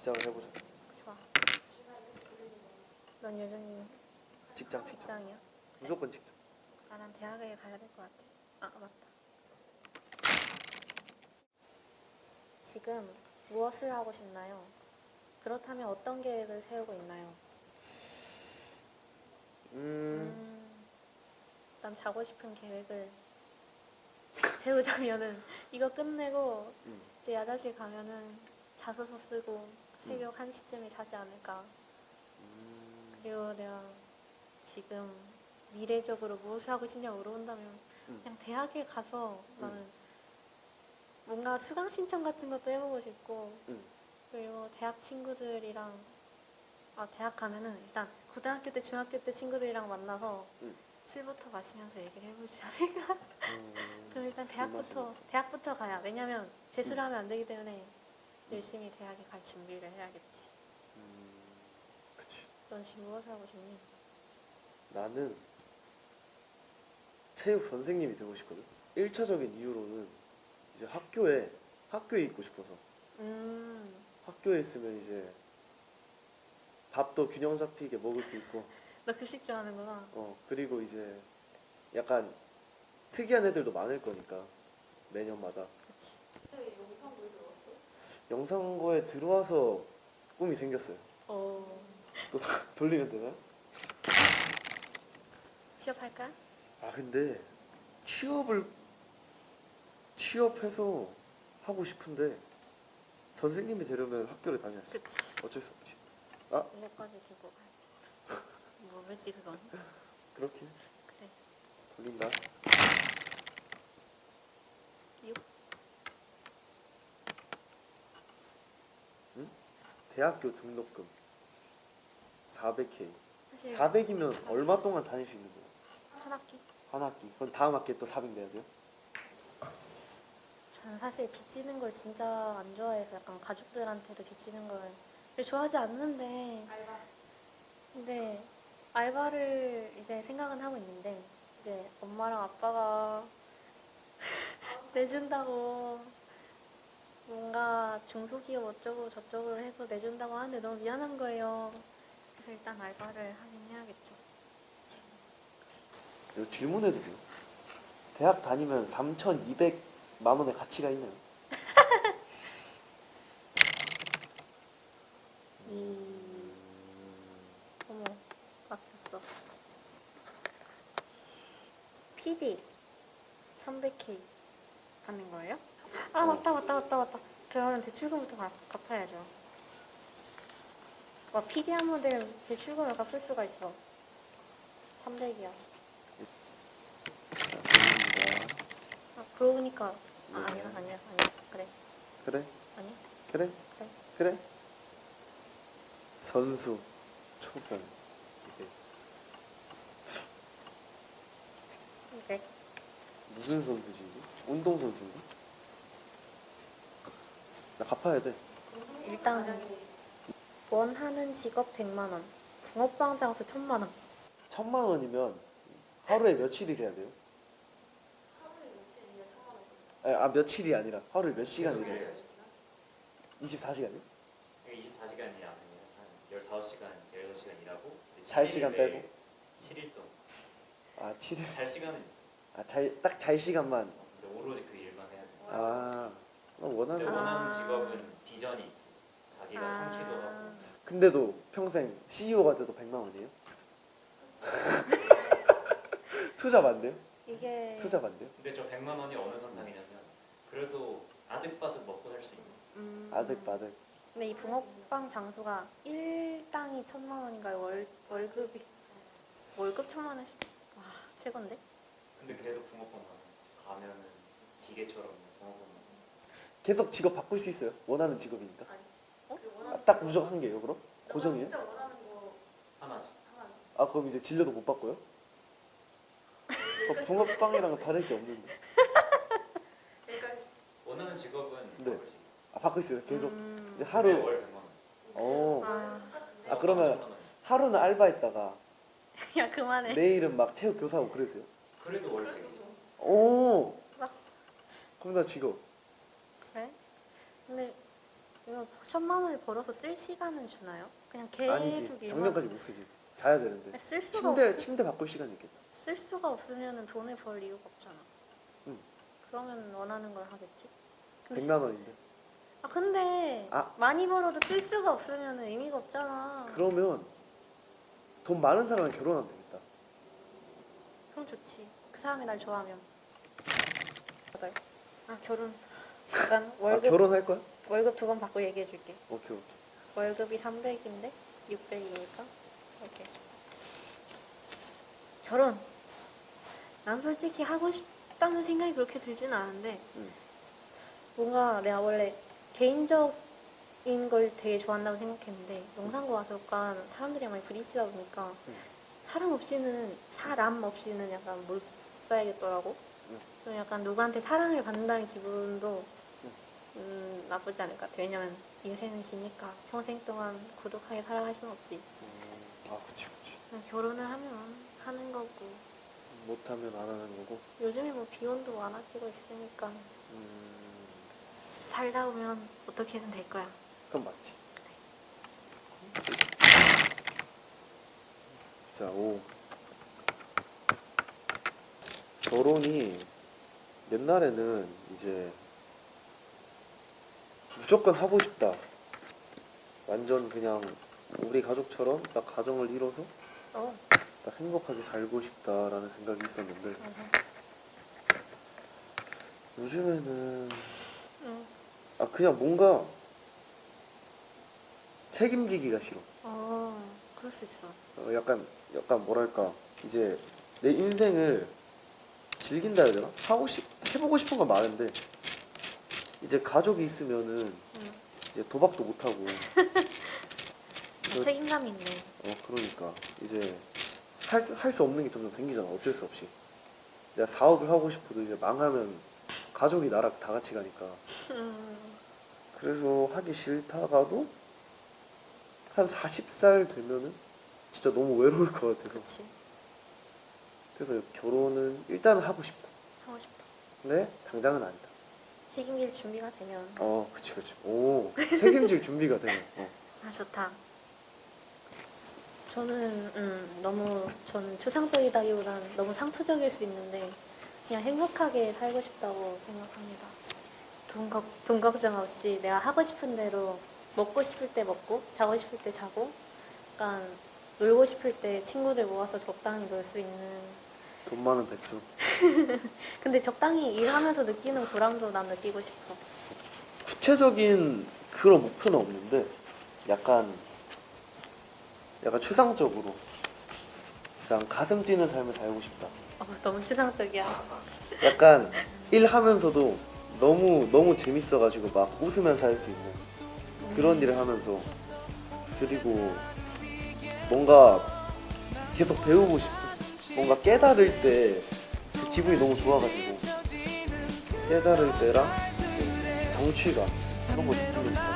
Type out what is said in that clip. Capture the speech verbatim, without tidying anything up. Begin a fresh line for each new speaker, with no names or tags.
시작을 해보자.
좋아. 넌 여전히
직장 직장.
직장이야?
무조건 직장.
나랑 대학에 가야 될 것 같아. 아 맞다. 지금 무엇을 하고 싶나요? 그렇다면 어떤 계획을 세우고 있나요?
음,
음, 난 자고 싶은 계획을 세우자면은 이거 끝내고
음.
이제 야자실 가면은 자소서 쓰고 새벽 한 시쯤에 자지 않을까.
음,
그리고 내가 지금 미래적으로 무엇을 하고 싶냐고 물어본다면
음.
그냥 대학에 가서 나는
음.
뭔가 수강 신청 같은 것도 해보고 싶고
음.
그리고 대학 친구들이랑 아 대학 가면은 일단 고등학교 때 중학교 때 친구들이랑 만나서
음.
술부터 마시면서 얘기를 해보지 않을까.
음,
그럼 일단
술
대학부터
마시면서.
대학부터 가야. 왜냐면 재수를
음.
하면 안 되기 때문에 열심히 대학에 갈 준비를 해야겠지.
음, 그치.
넌 지금 무엇을 하고 싶니?
나는 체육 선생님이 되고 싶거든. 일 차적인 이유로는 이제 학교에 학교에 있고 싶어서.
음,
학교에 있으면 이제 밥도 균형 잡히게 먹을 수 있고,
너 급식 좋아하는구나.
어 그리고 이제 약간 특이한 애들도 많을 거니까 매년마다. 영상고에 들어와서 꿈이 생겼어요.
어,
또 돌리면 되나요?
취업할까?
아 근데 취업을 취업해서 하고 싶은데 선생님이 되려면 학교를 다녀야지.
그치.
어쩔 수 없지. 아
이거까지 들고 가. 뭐지 그건?
그렇게
그래.
돌린다.
육.
응? 대학교 등록금 사백 케이.
사실
사백이면 얼마 동안 다닐 수 있는 거야?
한 학기.
한 학기. 그럼 다음 학기에 또 사백 내야 돼요?
저는 사실 빚지는 걸 진짜 안 좋아해서 약간 가족들한테도 빚지는 걸 좋아하지 않는데 근데 알바를 이제 생각은 하고 있는데 이제 엄마랑 아빠가 내준다고 뭔가 중소기업 어쩌고 저쩌고 해서 내준다고 하는데 너무 미안한 거예요. 그래서 일단 알바를 하긴 해야겠죠.
이거 질문해도 돼요? 대학 다니면 삼천이백만 원의 가치가 있나요?
이 어머 막혔어. 피디 삼백 케이 받는 거예요? 아 맞다 맞다 맞다 맞다. 그러면 대출금부터 갚, 갚아야죠. 와 피디 하면 대출금을 갚을 수가 있어. 삼백이야.
자, 돌립니다.
아 그러고 보니까 아,
네.
아니야 아니야 아니야 그래
그래?
아니야
그래?
그래
그래? 선수 초봉 이백.
그래.
무슨 선수지 이게? 운동 선수인가? 나 갚아야 돼.
일단 원하는 직업 백만 원, 붕어빵 장수 천만 원.
천만 원이면 하루에 며칠을 해야 돼요? 아니, 아 며칠이 아니라 하루에 몇 시간 일해야 돼요? 이십사 시간이요?
이십사 시간이 아니라 한 열다섯 시간, 열여섯 시간 일하고
잘 시간 빼고?
칠 일 동안
아 칠 일.
잘 시간은 있지.
아 잘 딱 잘 시간만.
근데 오로지 그 일만 해야 돼.
아 나
근데
원하는.
원하는
아.
직업은 비전이 있지. 자기가
아.
성취도 하고.
근데도 평생 씨이오가 돼도 백만 원이에요? 투잡 안 돼요?
이게
투잡 안 돼요?
근데 저 백만 원이 어느 선상이냐면 그래도 아득바득 먹고 살 수 있어.
음,
아득바득.
근데 이 붕어빵 장수가 일당이 천만 원인가요? 월 월급이 월급 천만 원씩. 와 최고인데?
근데 계속 붕어빵 가면 가면은 기계처럼 붕어빵 먹어.
계속 직업 바꿀 수 있어요? 원하는 직업이니까.
어?
아, 딱 무조건 한 개예요 그럼? 고정이에요?
하나지.
아 그럼 이제 질려도 못 바꿔요? 어, 붕어빵이랑은 다를 게 없는데.
원하는 직업은
네.
바꿀 수 있어.
아 바꿀 수 있어요 계속.
음,
이제
근데
하루.
월 백만 원.
어.
아,
아 그러면
천만 원.
하루는 알바했다가
야 그만해.
내일은 막 체육 교사하고 그래도 돼요?
그래도 월 백이죠.
오.
막
그럼 나 직업.
그래? 근데 이거 천만 원을 벌어서 쓸 시간은 주나요? 그냥 계속
아니지.
일만
정년까지 못 쓰지. 자야 되는데.
쓸 수가
침대
없,
침대 바꿀 시간이 있겠다.
쓸 수가 없으면 돈을 벌 이유가 없잖아.
응.
그러면 원하는 걸 하겠지. 근데
백만 원인데.
아 근데
아.
많이 벌어도 쓸 수가 없으면 의미가 없잖아.
그러면 돈 많은 사람은 결혼하면 되겠다.
그럼 좋지. 그 사람이 날 좋아하면. 맞아요. 아 결혼. 약간
아,
월급
결혼할 거야?
월급 두 번 받고 얘기해 줄게.
오케이 오케이.
월급이 삼백인데 육백이니까 오케이. 결혼. 난 솔직히 하고 싶다는 생각이 그렇게 들지는 않은데
응.
뭔가 내가 원래 개인적인 걸 되게 좋아한다고 생각했는데 영상과학과 사람들이랑 많이 부딪히다 보니까
응.
사람 없이는 사람 없이는 약간 못 살겠더라고.
응.
좀 약간 누구한테 사랑을 받는다는 기분도
응.
음, 나쁘지 않을 것 같아. 왜냐면 인생은 기니까 평생 동안 고독하게 살아갈 수는 없지.
음, 아 그치 그치.
그냥 결혼을 하면 하는 거고
못하면 안 하는 거고.
요즘에 뭐 비혼도 많아지고 있으니까
음,
살다 보면 어떻게든 될 거야.
그건 맞지. 자, 오. 결혼이 옛날에는 이제 무조건 하고 싶다. 완전 그냥 우리 가족처럼 딱 가정을 이뤄서
어.
딱 행복하게 살고 싶다라는 생각이 있었는데
맞아.
요즘에는
응.
아 그냥 뭔가 책임지기가 싫어.
어, 그럴 수 있어.
어, 약간 약간 뭐랄까 이제 내 인생을 즐긴다 해야 되나? 하고 싶 해보고 싶은 건 많은데 이제 가족이 있으면은
응.
이제 도박도 못 하고 그-
책임감이 있네.
어 그러니까 이제 할 할 수 없는 게 점점 생기잖아. 어쩔 수 없이 내가 사업을 하고 싶어도 이제 망하면 가족이 나랑 다 같이 가니까
음,
그래서 하기 싫다가도 한 마흔 살 되면은 진짜 너무 외로울 것 같아서
그치.
그래서 결혼은 일단 하고 싶다.
하고 싶다.
근데 당장은 아니다.
책임질 준비가 되면.
어, 그치, 그치. 오, 책임질 준비가 되네. 어.
아, 좋다. 저는 음, 너무 저는 추상적이다기보다는 너무 상투적일 수 있는데 그냥 행복하게 살고 싶다고 생각합니다. 돈, 걱, 돈 걱정 없이 내가 하고 싶은 대로 먹고 싶을 때 먹고 자고 싶을 때 자고 약간 놀고 싶을 때 친구들 모아서 적당히 놀 수 있는.
돈 많은 백수.
근데 적당히 일하면서 느끼는 보람도 난 느끼고 싶어.
구체적인 그런 목표는 없는데 약간 약간 추상적으로 그냥 가슴 뛰는 삶을 살고 싶다.
어, 너무 추상적이야.
약간 일하면서도 너무 너무 재밌어가지고 막 웃으면서 할 수 있는 그런 일을 하면서 그리고 뭔가 계속 배우고 싶은 뭔가 깨달을 때 그 기분이 너무 좋아가지고 깨달을 때랑 이제 성취감 그런 거 느끼면서